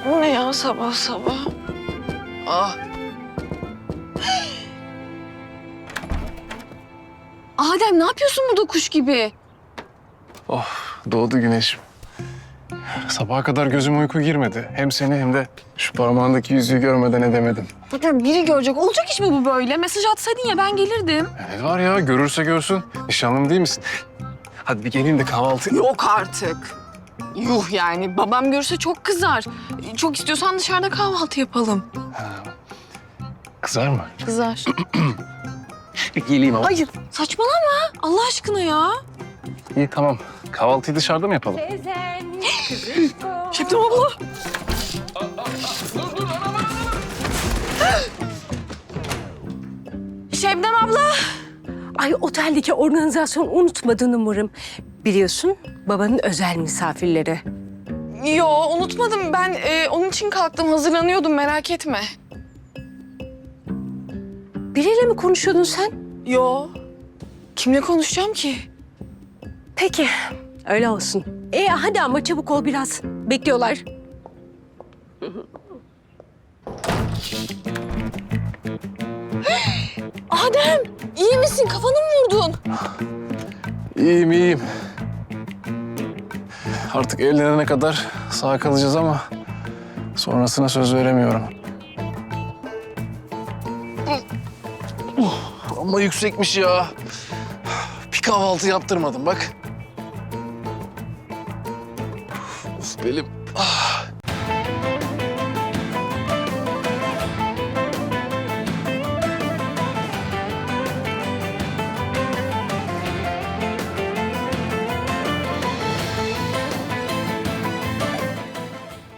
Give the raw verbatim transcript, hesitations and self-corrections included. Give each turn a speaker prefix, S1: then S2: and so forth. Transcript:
S1: Bu ne ya sabah sabah? Ah. Adem ne yapıyorsun burada kuş gibi?
S2: Oh, doğdu güneşim. Sabaha kadar gözüm uyku girmedi. Hem seni hem de şu parmağındaki yüzüğü görmeden edemedim.
S1: Zaten biri görecek. Olacak iş mi bu böyle? Mesaj atsaydın ya ben gelirdim.
S2: Ne var ya, görürse görsün. Nişanlım değil misin? Hadi bir geleyim de kahvaltı...
S1: Yok artık. Yuh yani. Babam görürse çok kızar. Çok istiyorsan dışarıda kahvaltı yapalım.
S2: Kızar mı?
S1: Kızar.
S2: Bir geleyim ama.
S1: Hayır. Saçmalama. Allah aşkına ya.
S2: İyi tamam. Kahvaltıyı dışarıda mı yapalım?
S1: Şebnem abla. Şebnem abla.
S3: Ay oteldeki organizasyon unutmadın umarım. Biliyorsun babanın özel misafirleri.
S1: Yo unutmadım. Ben e, onun için kalktım. Hazırlanıyordum merak etme.
S3: Biriyle mi konuşuyordun sen?
S1: Yo. Kimle konuşacağım ki?
S3: Peki öyle olsun. E hadi ama çabuk ol biraz. Bekliyorlar.
S1: Adem iyi misin? Kafanı mı vurdun?
S2: İyiyim, iyiyim. Artık evlenene kadar sağ kalacağız ama sonrasına söz veremiyorum. Uh, ama yüksekmiş ya. Bir kahvaltı yaptırmadım bak. Of belim. Ah.